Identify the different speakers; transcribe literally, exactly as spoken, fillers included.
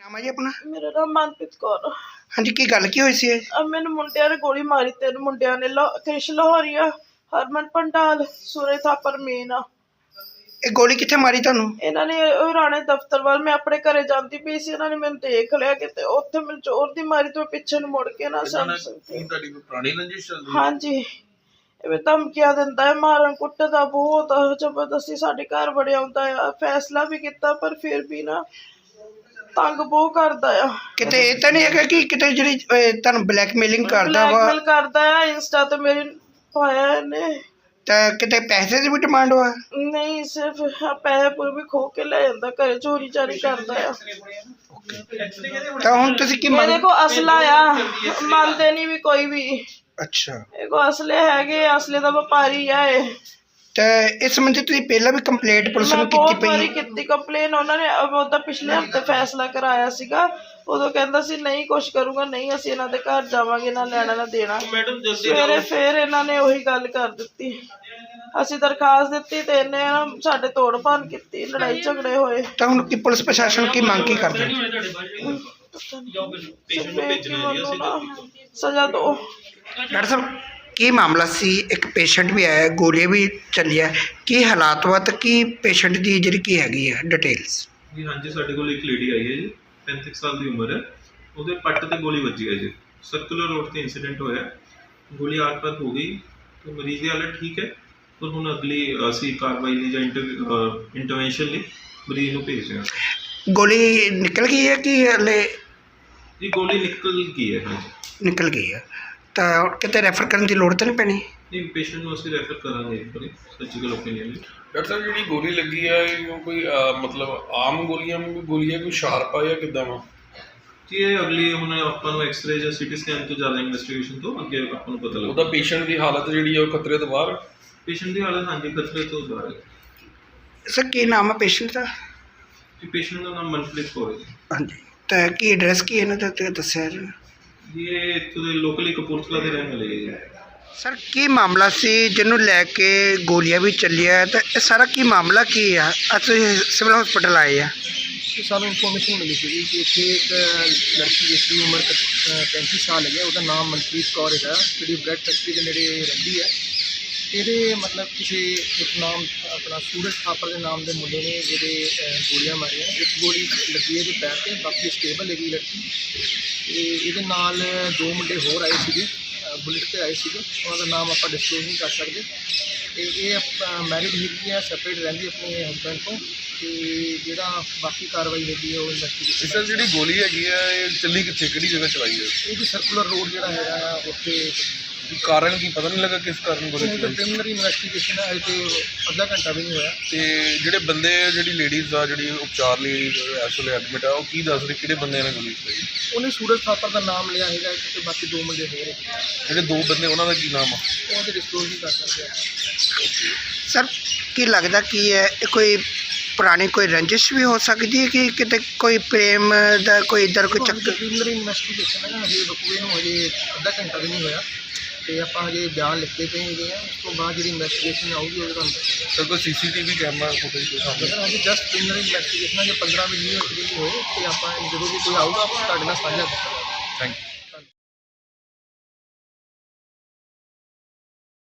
Speaker 1: ਨਾਮ ਹੈ ਜੀ ਆਪਣਾ?
Speaker 2: ਮੇਰਾ ਨਾਮ ਮਨਪ੍ਰੀਤ ਕੌਰ।
Speaker 1: ਹਾਂਜੀ, ਕੀ ਗੱਲ ਕੀ ਹੋਈ ਸੀ?
Speaker 2: ਅਬ ਮੈਨੂੰ ਮੁੰਡਿਆਂ ਨੇ ਗੋਲੀ ਮਾਰੀ, ਤਿੰਨ ਮੁੰਡਿਆਂ ਨੇ, ਕ੍ਰਿਸ਼ ਲਾਹੌਰੀਆ, ਹਰਮਨ ਪੰਡਾਲ, ਸੂਰਜ ਥਾਪਰ ਮੇਨ ਆ।
Speaker 1: ਇਹ ਗੋਲੀ ਕਿੱਥੇ ਮਾਰੀ ਤੁਹਾਨੂੰ?
Speaker 2: ਇਹਨਾਂ ਨੇ ਰਾਣੇ ਦਫ਼ਤਰ ਵੱਲ, ਮੈਂ ਆਪਣੇ ਘਰੇ ਜਾਂਦੀ ਪਈ ਸੀ, ਇਹਨਾਂ ਨੇ ਮੈਨੂੰ ਦੇਖ ਲਿਆ ਕਿਤੇ, ਉੱਥੇ ਮੈਨੂੰ ਜ਼ੋਰ ਦੀ ਮਾਰੀ ਤੇ ਪਿੱਛੇ ਨੂੰ ਮੁੜ ਕੇ ਨਾ ਸਮਝ ਸਕਦੀ।
Speaker 3: ਤੁਹਾਡੀ ਕੋਈ ਪੁਰਾਣੀ ਰੰਜਿਸ਼ ਚੱਲਦੀ?
Speaker 2: ਹਾਂਜੀ, ਇਵੇਂ ਧਮਕੀਆਂ ਦਿੰਦਾ ਹੈ, ਮਾਰਨ ਕੁੱਟਦਾ ਬਹੁਤ ਜ਼ਬਰਦਸਤੀ, ਸਾਡੇ ਘਰ ਵੜਿਆ ਆਉਂਦਾ ਆ। ਫੈਸਲਾ ਵੀ ਕੀਤਾ ਪਰ ਫਿਰ ਵੀ ਨਾ ਤੰਗ ਬਹੁਤ ਕਰਦਾ ਆ।
Speaker 1: ਕਿਤੇ ਇਹ ਤਾਂ ਨਹੀਂ ਹੈਗਾ ਕਿ ਕਿਤੇ ਜਿਹੜੀ ਅਹ, ਤੁਹਾਨੂੰ ਬਲੈਕਮੇਲਿੰਗ ਕਰਦਾ ਵਾ?
Speaker 2: ਬਲੈਕਮੇਲ ਕਰਦਾ ਆ, ਇੰਸਟਾ ਤੇ ਮੇਰੀ ਪਾਇਆ ਇਹਨੇ।
Speaker 1: ਤਾਂ ਕਿਤੇ ਪੈਸੇ ਦੀ ਵੀ ਡਿਮਾਂਡ ਹੋਆ?
Speaker 2: ਨਹੀਂ, ਸਿਰਫ ਪੈਸੇ ਪੂਰੇ ਵੀ ਖੋ ਕੇ ਲੈ ਜਾਂਦਾ, ਘਰੇ ਚੋਰੀ ਚਾਰੀ ਕਰਦਾ ਆ।
Speaker 1: ਤਾਂ ਹੁਣ ਤੁਸੀਂ ਕੀ
Speaker 2: ਮੇਰੇ
Speaker 1: ਮੰਗ?
Speaker 2: ਕੋਲ ਅਸਲਾ ਆ, ਮੰਨਦੇ ਨਹੀਂ ਵੀ ਕੋਈ ਵੀ।
Speaker 1: ਅੱਛਾ,
Speaker 2: ਇਹ ਕੋ ਅਸਲੇ ਹੈਗੇ, ਅਸਲੇ ਦਾ ਵਪਾਰੀ ਆ ਇਹ।
Speaker 1: ਤਾਂ ਇਸ ਸੰਬੰਧੀ ਤੁਸੀਂ ਪਹਿਲਾਂ ਵੀ ਕੰਪਲੇਂਟ ਪੁਲਿਸ
Speaker 2: ਮੈਂ
Speaker 1: ਨੂੰ ਕੀਤੀ
Speaker 2: ਬਹੁਤ
Speaker 1: ਪਈ
Speaker 2: ਵਾਰੀ
Speaker 1: ਹੈ?
Speaker 2: ਕੀਤੀ ਕੰਪਲੇਨ, ਉਹਨਾਂ ਨੇ ਉਹਦਾ ਪਿਛਲੇ ਹਫ਼ਤੇ ਫੈਸਲਾ ਕਰਾਇਆ ਸੀਗਾ। ਉਦੋਂ ਕਹਿੰਦਾ ਸੀ ਨਹੀਂ ਕੁਛ ਕਰੂੰਗਾ, ਨਹੀਂ ਅਸੀਂ ਇਹਨਾਂ ਦੇ ਘਰ ਜਾਵਾਂਗੇ, ਨਾ ਲੈਣਾ ਨਾ ਦੇਣਾ। ਸਵੇਰੇ ਫਿਰ ਇਹਨਾਂ ਨੇ ਉਹੀ ਗੱਲ ਕਰ ਦਿੱਤੀ। ਅਸੀਂ ਦਰਖਾਸਤ ਦਿੱਤੀ ਤੇ ਇਹਨੇ ਨਾ ਸਾਡੇ ਤੋੜ ਭੰਨ ਕੀਤੀ, ਲੜਾਈ ਝਗੜੇ ਹੋਏ।
Speaker 1: ਤਾਂ ਹੁਣ ਕੀ ਪੁਲਿਸ ਪ੍ਰਸ਼ਾਸਨ ਕੀ ਮੰਗ ਕੀ ਕਰਦੇ?
Speaker 2: ਸਜ਼ਾ ਦੋ।
Speaker 1: ਡਾਕਟਰ ਸਾਹਿਬ, ਕੀ ਮਾਮਲਾ ਸੀ? ਇੱਕ ਪੇਸ਼ੈਂਟ ਵੀ ਆਇਆ, ਗੋਲੀਆਂ ਵੀ ਚੱਲੀਆਂ, ਕੀ ਹਾਲਾਤ ਵਾ ਤੇ ਕੀ ਪੇਸ਼ੈਂਟ ਦੀ ਜਿਹੜੀ ਕੀ ਹੈਗੀ ਹੈ ਡਿਟੇਲਸ?
Speaker 3: ਜੀ ਹਾਂਜੀ, ਸਾਡੇ ਕੋਲ ਇੱਕ ਲੇਡੀ ਆਈ ਹੈ ਜੀ, ਪੈਂਤੀ ਸਾਲ ਦੀ ਉਮਰ ਹੈ। ਉਹਦੇ ਪੱਟ ਤੇ ਗੋਲੀ ਵੱਜੀ ਹੈ ਜੀ, ਸਰਕੂਲਰ ਰੋਡ ਤੇ ਇੰਸੀਡੈਂਟ ਹੋਇਆ, ਗੋਲੀ ਆਰ ਪਾਰ ਹੋ ਗਈ ਤੇ ਮਰੀਜ਼ ਦੀ ਹਾਲਤ ਠੀਕ ਹੈ। ਪਰ ਹੁਣ ਅਗਲੀ ਅਸੀਂ ਕਾਰਵਾਈ ਲਈ ਜਾਂ ਇੰਟਰਵੈਂਸ਼ਨ ਲਈ ਮਰੀਜ਼ ਨੂੰ ਭੇਜ ਰਹੇ ਹਾਂ।
Speaker 1: ਗੋਲੀ ਨਿਕਲ ਗਈ ਹੈ ਕਿ ਹਲੇ?
Speaker 3: ਜੀ ਗੋਲੀ ਨਿਕਲ ਗਈ ਹੈ। ਹਾਂਜੀ,
Speaker 1: ਨਿਕਲ ਗਈ ਹੈ। ਤਾਂ ਕਿਤੇ ਰੈਫਰ ਕਰਨ ਦੀ ਲੋੜ ਤਾਂ ਨਹੀਂ ਪੈਣੀ?
Speaker 3: ਨਹੀਂ, ਪੇਸ਼ੈਂਟ ਨੂੰ ਅਸੀਂ ਰੈਫਰ ਕਰਾਂਗੇ ਇੱਕ ਵਾਰੀ ਸਰਜੀਕਲ ਓਪੀਨੀਅਨ ਲਈ।
Speaker 4: ਡਾਕਟਰ ਸਾਹਿਬ, ਜਿਹੜੀ ਗੋਲੀ ਲੱਗੀ ਹੈ ਉਹ ਕੋਈ ਅਹ, ਮਤਲਬ ਆਮ ਗੋਲੀਆਂ ਨੂੰ ਗੋਲੀ ਹੈ, ਕੋਈ ਸ਼ਾਰਪ ਆ ਜਾਂ ਕਿੱਦਾਂ ਵਾ?
Speaker 3: ਜੀ ਇਹ ਅਗਲੀ ਹੁਣ ਆਪਾਂ ਨੂੰ ਐਕਸਰੇ ਜਾਂ ਸੀਟੀ ਸਕੈਨ ਤੋਂ ਜ਼ਿਆਦਾ ਇਨਵੈਸਟੀਗੇਸ਼ਨ ਤੋਂ ਅੱਗੇ ਆਪਾਂ ਨੂੰ ਪਤਾ ਲੱਗਦਾ।
Speaker 4: ਉਹਦਾ ਪੇਸ਼ੈਂਟ ਦੀ ਹਾਲਤ ਜਿਹੜੀ ਹੈ ਉਹ ਖਤਰੇ ਤੋਂ ਬਾਹਰ?
Speaker 3: ਪੇਸ਼ੈਂਟ ਦੀ ਹਾਲਤ ਹਾਂਜੀ ਖਤਰੇ ਤੋਂ ਬਾਹਰ ਹੈ।
Speaker 1: ਸਰ, ਕੀ ਨਾਮ ਹੈ ਪੇਸ਼ੈਂਟ ਦਾ?
Speaker 3: ਜੀ ਪੇਸ਼ੈਂਟ ਦਾ ਨਾਮ ਮਨਪ੍ਰੀਤ ਕੌਰ ਹੈ ਜੀ।
Speaker 1: ਹਾਂਜੀ, ਤਾਂ ਕੀ ਐਡਰੈਸ ਕੀ ਇਹਨਾਂ ਦਾ ਤੇ ਦੱਸਿਆ ਜੀ?
Speaker 3: ਜੀ ਇਹ ਇੱਥੋਂ ਦੇ ਲੋਕਲੀ ਕਪੂਰਥਲਾ ਦੇ ਰਹਿਣ ਵਾਲੇ ਹੈ ਜੀ।
Speaker 1: ਸਰ, ਕੀ ਮਾਮਲਾ ਸੀ ਜਿਹਨੂੰ ਲੈ ਕੇ ਗੋਲੀਆਂ ਵੀ ਚੱਲੀਆਂ, ਤਾਂ ਇਹ ਸਾਰਾ ਕੀ ਮਾਮਲਾ ਕੀ ਆ? ਅੱਜ ਤੁਸੀਂ ਸਿਵਲ ਹਸਪੀਟਲ ਆਏ ਆ?
Speaker 5: ਸਾਨੂੰ ਇਨਫੋਰਮੇਸ਼ਨ ਮਿਲੀ ਸੀ ਕਿ ਇੱਥੇ ਇੱਕ ਲੜਕੀ ਜਿਸ ਦੀ ਉਮਰ ਪੈਂਤੀ ਸਾਲ ਹੈਗੀ, ਉਹਦਾ ਨਾਮ ਮਨਪ੍ਰੀਤ ਕੌਰ ਹੈਗਾ, ਜਿਹੜੀ ਬ੍ਰੈਡ ਫੈਕਟਰੀ ਦੇ ਨੇੜੇ ਰਹਿੰਦੀ ਹੈ। ਇਹਦੇ ਮਤਲਬ ਕਿਸੇ ਇੱਕ ਨਾਮ ਆਪਣਾ ਸੂਰਜ ਥਾਪਰ ਦੇ ਨਾਮ ਦੇ ਮੁੰਡੇ ਨੇ ਜਿਹਦੇ ਗੋਲੀਆਂ ਮਾਰੀਆਂ। ਇੱਕ ਗੋਲੀ ਲੱਗੀ ਇਹਦੇ ਪੈਰ 'ਤੇ, ਬਾਕੀ ਸਟੇਬਲ ਹੈਗੀ ਲੜਕੀ। ਅਤੇ ਇਹਦੇ ਨਾਲ ਦੋ ਮੁੰਡੇ ਹੋਰ ਆਏ ਸੀਗੇ, ਬੁਲਟ 'ਤੇ ਆਏ ਸੀਗੇ, ਉਹਨਾਂ ਦਾ ਨਾਮ ਆਪਾਂ ਡਿਸਕਲੋਜ਼ ਨਹੀਂ ਕਰ ਸਕਦੇ। ਅਤੇ ਇਹ ਮੈਰਿਡ ਹੈਗੀ ਆ, ਸੈਪਰੇਟ ਰਹਿੰਦੀ ਆਪਣੇ ਹਸਬੈਂਡ ਤੋਂ। ਅਤੇ ਜਿਹੜਾ ਬਾਕੀ ਕਾਰਵਾਈ ਹੈਗੀ ਹੈ ਉਹ ਇਨਵੈਸਟੀਗੇਸ਼ਨ।
Speaker 4: ਸਰ, ਜਿਹੜੀ ਗੋਲੀ ਹੈਗੀ ਹੈ ਇਹ ਚੱਲੀ ਕਿੱਥੇ, ਕਿਹੜੀ ਜਗ੍ਹਾ ਚਲਾਈ ਹੈ?
Speaker 5: ਇਹ ਜੀ ਸਰਕੂਲਰ ਰੋਡ ਜਿਹੜਾ ਹੈਗਾ ਉੱਥੇ।
Speaker 4: ਕਾਰਨ ਕੀ ਪਤਾ ਨਹੀਂ ਲੱਗਾ ਕਿਸ ਕਾਰਨ ਗੋਲੀ ਚਲਾਈ?
Speaker 5: ਪ੍ਰੀਲਿਮਿਨਰੀ ਇਨਵੈਸਟੀਗੇਸ਼ਨ ਹੈ, ਤੇ ਅੱਧਾ ਘੰਟਾ ਵੀ ਨਹੀਂ ਹੋਇਆ।
Speaker 4: ਤੇ ਜਿਹੜੇ ਬੰਦੇ, ਜਿਹੜੀ ਲੇਡੀਜ਼ ਆ ਜਿਹੜੀ ਉਪਚਾਰ ਲਈ ਇਸ ਵੇਲੇ ਐਡਮਿਟ ਆ, ਉਹ ਕੀ ਦੱਸ ਰਹੇ ਕਿਹੜੇ ਬੰਦਿਆਂ ਨੇ ਗੋਲੀ ਚਲਾਈ?
Speaker 5: ਉਹਨੇ ਸੂਰਜ ਥਾਪਰ ਦਾ ਨਾਮ ਲਿਆ ਹੈਗਾ, ਤੇ ਬਾਕੀ ਦੋ ਮੁੰਡੇ ਹੋਰ ਹੈਗੇ।
Speaker 4: ਜਿਹੜੇ ਦੋ ਬੰਦੇ ਉਹਨਾਂ ਦਾ ਕੀ ਨਾਮ ਆ?
Speaker 5: ਉਹ ਤੇ ਡਿਸਕਲੋਜ਼ ਨਹੀਂ ਕਰ ਸਕਦੇ।
Speaker 1: ਸਰ, ਕੀ ਲੱਗਦਾ ਕੀ ਹੈ, ਇਹ ਕੋਈ ਪੁਰਾਣੀ ਕੋਈ ਰੰਜਿਸ਼ ਵੀ ਹੋ ਸਕਦੀ ਹੈ ਕਿ ਕਿਤੇ ਕੋਈ ਪ੍ਰੇਮ ਦਾ ਕੋਈ ਇੱਧਰ ਕੋਈ ਚੱਕਰ?
Speaker 5: ਪ੍ਰੀਲਿਮਿਨਰੀ ਇਨਵੈਸਟੀਗੇਸ਼ਨ ਹੈ, ਹਜੇ ਬਕੂਏ ਨੂੰ ਹਜੇ ਅੱਧਾ ਘੰਟਾ ਵੀ ਨਹੀਂ ਹੋਇਆ, ਅਤੇ ਆਪਾਂ ਹਜੇ ਬਿਆਨ ਲਿਖਦੇ ਪਏ ਹੈਗੇ ਆ। ਉਸ ਤੋਂ ਬਾਅਦ ਜਿਹੜੀ ਇਨਵੈਸਟੀਗੇਸ਼ਨ ਆਊਗੀ ਉਹ ਤੁਹਾਨੂੰ ਦੱਸਾਂਗੇ।
Speaker 4: ਸਰ, ਕੋਈ C C T V camera footage ਕੋਈ ਸਾਹਮਣੇ?
Speaker 5: ਸਰ, ਹਜੇ ਜਸਟ ਪ੍ਰੀਲਿਮਿਨਰੀ ਇਨਵੈਸਟੀਗੇਸ਼ਨ ਹੈ, ਜੇ ਪੰਦਰਾਂ ਵੀਹ ਮਿੰਟ ਵੀ ਹੋਏ ਅਤੇ ਆਪਾਂ ਜਦੋਂ ਵੀ ਕੋਈ ਆਊਗਾ ਆਪਾਂ ਤੁਹਾਡੇ ਨਾਲ ਸਾਂਝਾ ਕਰਾਂਗੇ।
Speaker 4: Thank you.